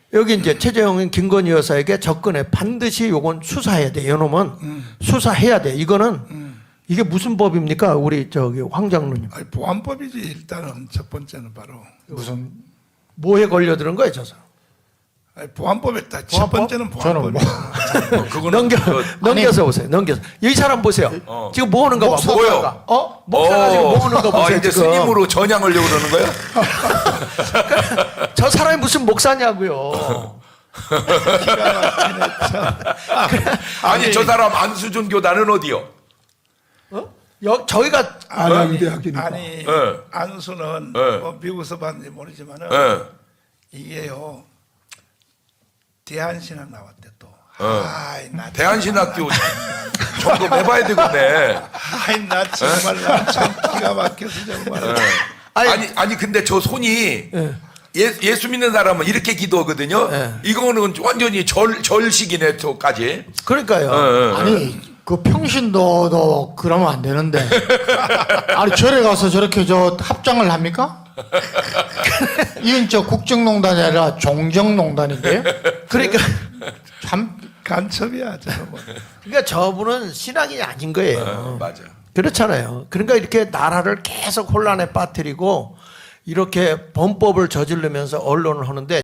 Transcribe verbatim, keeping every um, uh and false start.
여기 이제 최재형은 김건희 여사에게 접근해 반드시 요건 수사해야 돼. 이놈은 음. 수사해야 돼. 이거는 음. 이게 무슨 법입니까? 우리 저기 황 장로님. 아니, 보안법이지. 일단은 첫 번째는 바로 무슨 뭐에 걸려드는 거예요, 저 사람? 아니, 보안법에 딱 첫 보안법? 번째는 저는 보안법이야. 뭐 어, 그거는 넘겨 그, 넘겨서 보세요. 넘겨서 이 사람 보세요. 어. 지금 뭐 하는가 봐. 목사 뭐요? 어? 목사가 지금 뭐 하는가 아, 보세요. 이제 지금. 스님으로 전향하려고 그러는 거야? 저 사람이 무슨 목사냐고요. 기가 막히네, 참. 아니, 저 사람 안수준 교단은 어디요? 어? 여, 저희가 안양대학이니까. 아니, 네. 안수는 네. 뭐 미국에서 봤는지 모르지만은 예. 이게요 대한신학 나왔대 또. 어. 아이 나 대한신학교 점검해봐야 되겠네. 아이 나 정말 나참 기가 막혀서 정말. 예. 아니, 아니, 아니, 근데 저 손이 예. 예, 예수 믿는 사람은 이렇게 기도하거든요. 예. 이거는 완전히 절, 절식이네, 저까지. 그러니까요. 예, 예, 예. 아니 그 평신도도 그러면 안 되는데 아니 절에 가서 저렇게 저 합장을 합니까? 이건 저 국정농단이 아니라 종정농단인데요. 그러니까 참 간첩이야 저놈은. 그러니까 저분은 신앙이 아닌 거예요. 어, 맞아. 그렇잖아요. 그러니까 이렇게 나라를 계속 혼란에 빠뜨리고 이렇게 범법을 저지르면서 언론을 하는데